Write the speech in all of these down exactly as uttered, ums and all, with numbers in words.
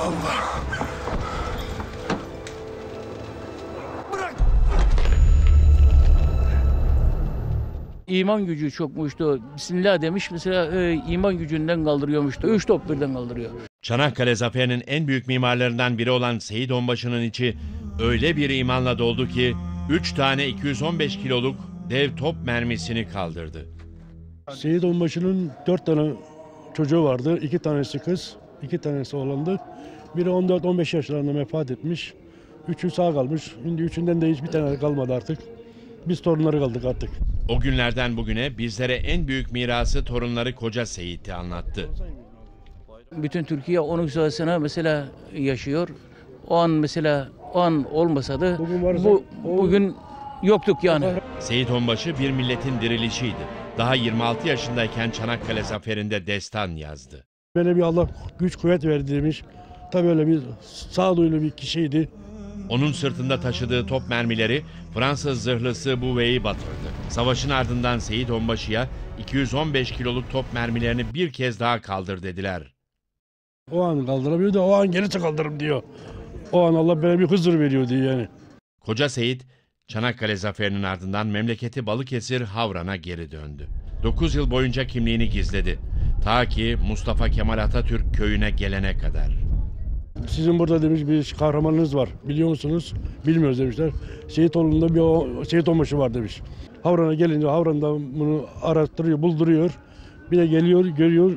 Allah! Bırak! İman gücü çokmuştu. Bismillah demiş mesela, e, iman gücünden kaldırıyormuştu. Üç top birden kaldırıyor. Çanakkale Zaferi'nin en büyük mimarlarından biri olan Seyit Onbaşı'nın içi öyle bir imanla doldu ki üç tane iki yüz on beş kiloluk dev top mermisini kaldırdı. Seyit Onbaşı'nın dört tane çocuğu vardı. İki tanesi kız, iki tanesi oğlandı. Biri on dört on beş yaşlarında vefat etmiş. Üçü sağ kalmış. Şimdi üçünden de hiçbir tane kalmadı artık. Biz torunları kaldık artık. O günlerden bugüne bizlere en büyük mirası torunları Koca Seyit'i anlattı. Bütün Türkiye onun sayesinde mesela yaşıyor. O an mesela o an olmasa da Bugün varsa- bu bugün yoktuk yani. Seyit Onbaşı bir milletin dirilişiydi. Daha yirmi altı yaşındayken Çanakkale Zaferi'nde destan yazdı. Bana bir Allah güç kuvvet verdi demiş. Tabii öyle bir sağduyulu bir kişiydi. Onun sırtında taşıdığı top mermileri Fransız zırhlısı Bouvet'i batırdı. Savaşın ardından Seyit Onbaşı'ya iki yüz on beş kiloluk top mermilerini bir kez daha kaldır dediler. O an kaldıramıyor da o an gerisi kaldırırım diyor. O an Allah bana bir huzur veriyor diyor yani. Koca Seyit, Çanakkale Zaferi'nin ardından memleketi Balıkesir Havran'a geri döndü. dokuz yıl boyunca kimliğini gizledi. Ta ki Mustafa Kemal Atatürk köyüne gelene kadar. Sizin burada demiş bir kahramanınız var. Biliyor musunuz? Bilmiyoruz demişler. Seyitoğlu'nda bir o, Seyit Onbaşı var demiş. Havran'a gelince Havran'da bunu araştırıyor, bulduruyor. Bir de geliyor, görüyor.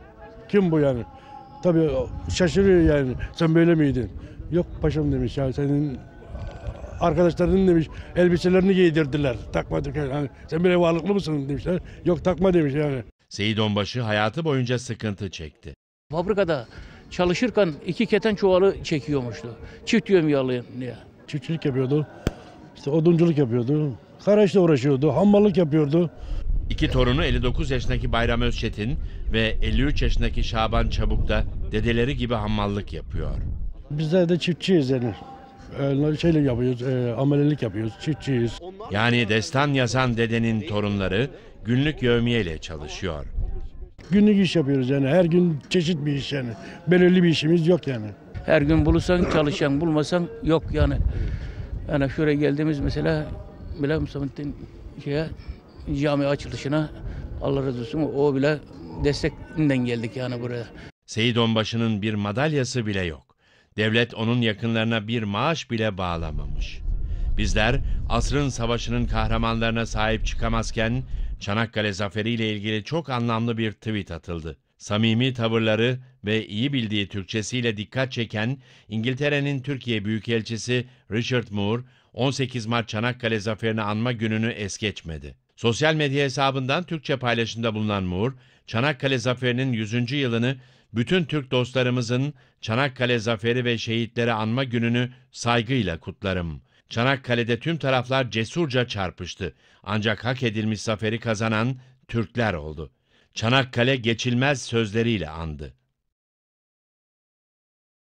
Kim bu yani? Tabii şaşırıyor yani. Sen böyle miydin? Yok paşam demiş ya, senin arkadaşların demiş elbiselerini giydirdiler. Takmadık yani. Sen böyle varlıklı mısın demişler. Yok takma demiş yani. Seyit Onbaşı hayatı boyunca sıkıntı çekti. Fabrikada çalışırken iki keten çuvalı çekiyormuştu. Çift yön yağlayan diye. Çiftçilik yapıyordu. İşte odunculuk yapıyordu. Karaşla uğraşıyordu. Hammallık yapıyordu. İki torunu elli dokuz yaşındaki Bayram Özçetin ve elli üç yaşındaki Şaban Çabuk da dedeleri gibi hammallık yapıyor. Bizler de çiftçiyiz yani. Ee, şeyle yapıyoruz, e, amelelik yapıyoruz, çiftçiyiz. Yani destan yazan dedenin torunları günlük yevmiyeyle çalışıyor. Günlük iş yapıyoruz yani. Her gün çeşit bir iş yani. Belirli bir işimiz yok yani. Her gün bulursan çalışan, bulmasan yok yani. Yani şuraya geldiğimiz mesela bile Mustafa'nın şeye, cami açılışına Allah razı olsun o bile destekinden geldik yani buraya. Seyit Onbaşı'nın bir madalyası bile yok. Devlet onun yakınlarına bir maaş bile bağlamamış. Bizler asrın savaşının kahramanlarına sahip çıkamazken Çanakkale Zaferi ile ilgili çok anlamlı bir tweet atıldı. Samimi tavırları ve iyi bildiği Türkçesiyle dikkat çeken İngiltere'nin Türkiye Büyükelçisi Richard Moore, on sekiz Mart Çanakkale Zaferi'ni anma gününü es geçmedi. Sosyal medya hesabından Türkçe paylaşımda bulunan Moore, Çanakkale Zaferi'nin yüzüncü yılını bütün Türk dostlarımızın Çanakkale Zaferi ve şehitleri anma gününü saygıyla kutlarım. Çanakkale'de tüm taraflar cesurca çarpıştı. Ancak hak edilmiş zaferi kazanan Türkler oldu. Çanakkale geçilmez sözleriyle andı.